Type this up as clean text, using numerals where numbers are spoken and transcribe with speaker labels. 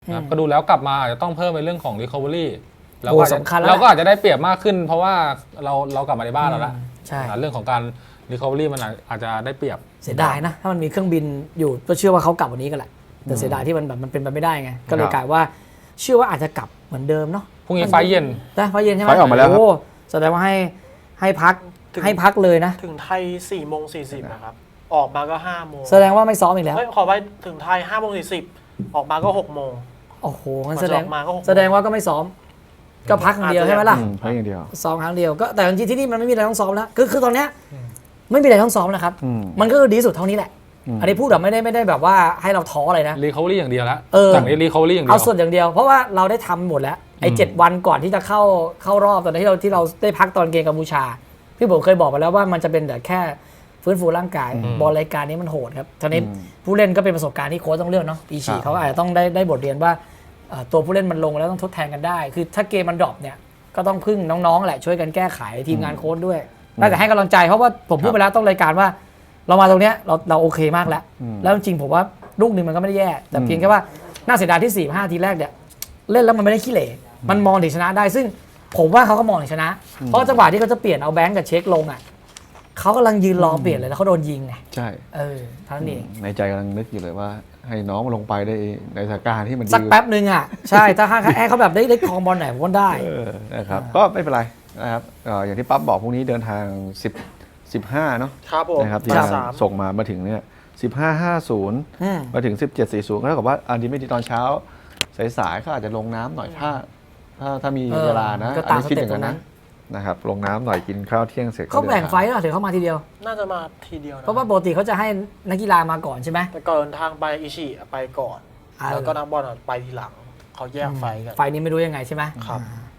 Speaker 1: นะก็ดูแล้วกลับมาอาจจะต้องเพิ่มในเรื่องของ recovery
Speaker 2: เราก็
Speaker 1: อาจจะได้เปรียบมากขึ้น เพราะว่าเรากลับมาในบ้านแล้วละ
Speaker 2: ใช่
Speaker 1: เรื่องของการ recovery มันอาจจะได้เปรียบ
Speaker 2: เสียดายนะถ้ามันมีเครื่องบินอยู่ก็เชื่อว่าเขากลับวันนี้กันแหละแต่เสียดายที่มันเป็นไปไม่ได้ไงก็เลยกลายว่าเชื่อว่าอาจจะกลับเหมือนเดิมเนาะ
Speaker 1: พรุ่งนี้ไฟเย็น
Speaker 2: ไฟเย็นใช่ไหม
Speaker 3: ไฟออกมาแล้วครับ
Speaker 2: โอ้แสดงว่าให้พักเลยนะ
Speaker 4: ถึงไทย4:40นะครับออกมาก็5 โมง
Speaker 2: แสดงว่าไม่ซ้อมอีกแล้ว
Speaker 4: ขอไปถึงไทย5:40ออกมาก็6 โมง
Speaker 2: โอ้โหมันแสดงว่าก็ไม่ซ้อมก็พักครั้งเดียวใช่ไหมล่ะ
Speaker 3: พักอย่างเดียว
Speaker 2: ซ้อมครั้งเดียวก็แต่จริงๆที่นี่มันไม่มีอะไรต้องซ้อมแล้วคือตอนเนี้ยไม่มีอะไรต้องซ้อมนะครับมันก็ดีสุดเท่านี้แหละอันนี้พูดแบบไม่ได้แบบว่าให้เราท้ออะไรนะ
Speaker 1: recovery อย่างเดียวแล้วจากนี้ recovery อย่างเดียว
Speaker 2: เอาส่วนอย่างเดียวเพราะว่าเราได้ทำหมดแล้วไอ้7 วันก่อนที่จะเข้ารอบตอนที่เราได้พักตอนเกมกัมพูชาพี่ผมเคยบอกไปแล้วว่ามันจะเป็นแต่แค่ฟื้นฟูร่างกายบอลรายการนี้มันโหดครับทีนี้ผู้เล่นก็เป็นประสบการณ์ที่โค้ชต้องเลือกเนาะปีฉีเขาอาจจะต้องได้บทเรียนว่าตัวผู้เล่นมันลงแล้วต้องทดแทนกันได้คือถ้าเกมมันดรอปเนี่ยก็ต้องพึ่งน้องๆแหละช่วยกันแก้ไขทีมงานโค้ชด้วยได้แต่ให้กำลังใจเพราะว่าผมพูดไปแล้วต้องรายการว่าเรามาตรงเนี้ยเราโอเคมากแล้วจริงๆผมว่าลูกนึงมันก็ไม่ได้แย่แต่เพียงแค่ว่าน่าเสียดายที่4-5 ทีแรกเนี่ยเล่นแล้วมันไม่ได้ขี้เหร่มันมองถึงชนะได้ซึ่งผมว่าเขาก็มองถึงชนะเพราะจังหวะที่เขาจะเปลี่ยนเอาแบงก์กับเช็คลงอ่ะเขากำลังยืนรอเปลี่ยนเลยแล้วเขาโดนยิงไง
Speaker 3: ใช่
Speaker 2: เท่านั้นเอง
Speaker 3: ในใจกำลังนึกอยู่เลยว่าให้น้องลงไปได้ในสถานการณ์ที่มัน
Speaker 2: สักแป๊บนึงอ่ะใช่ถ้าเขาแบบได้คลองบอลไหนผมก็ได้
Speaker 3: นะครับก็ไม่เป็นไรนะครับอย่างที่ปั๊บบอกพรุ่งนี้เดินทาง15เนาะ
Speaker 4: ครับผม
Speaker 3: นะครับที่ส่งมาถึงเนี่ย15:50มาถึง17:40ก็เท่ากับว่าอันนี้ไม่ดีตอนเช้าสายๆเขาอาจจะลงน้ำหน่อยถ้ามีเวลานะ
Speaker 2: ก็ตามสเต็ป
Speaker 3: นั้นนะครับลงน้ำหน่อยกินข้าวเที่ยงเสร็จ
Speaker 2: เขาแบ่งไฟล์หรอถึงเขามาทีเดียว
Speaker 4: น่าจะมาทีเดียว
Speaker 2: เพราะว่าปกติเขาจะให้นักกีฬามาก่อนใช่ไหม
Speaker 4: แต่ก่อนทางไปอิชิไปก่อนแล้วก็นักบอลไปทีหลังเขาแยกไฟกัน
Speaker 2: ไฟนี้ไม่รู้ยังไงใช่ไหม
Speaker 4: ครับ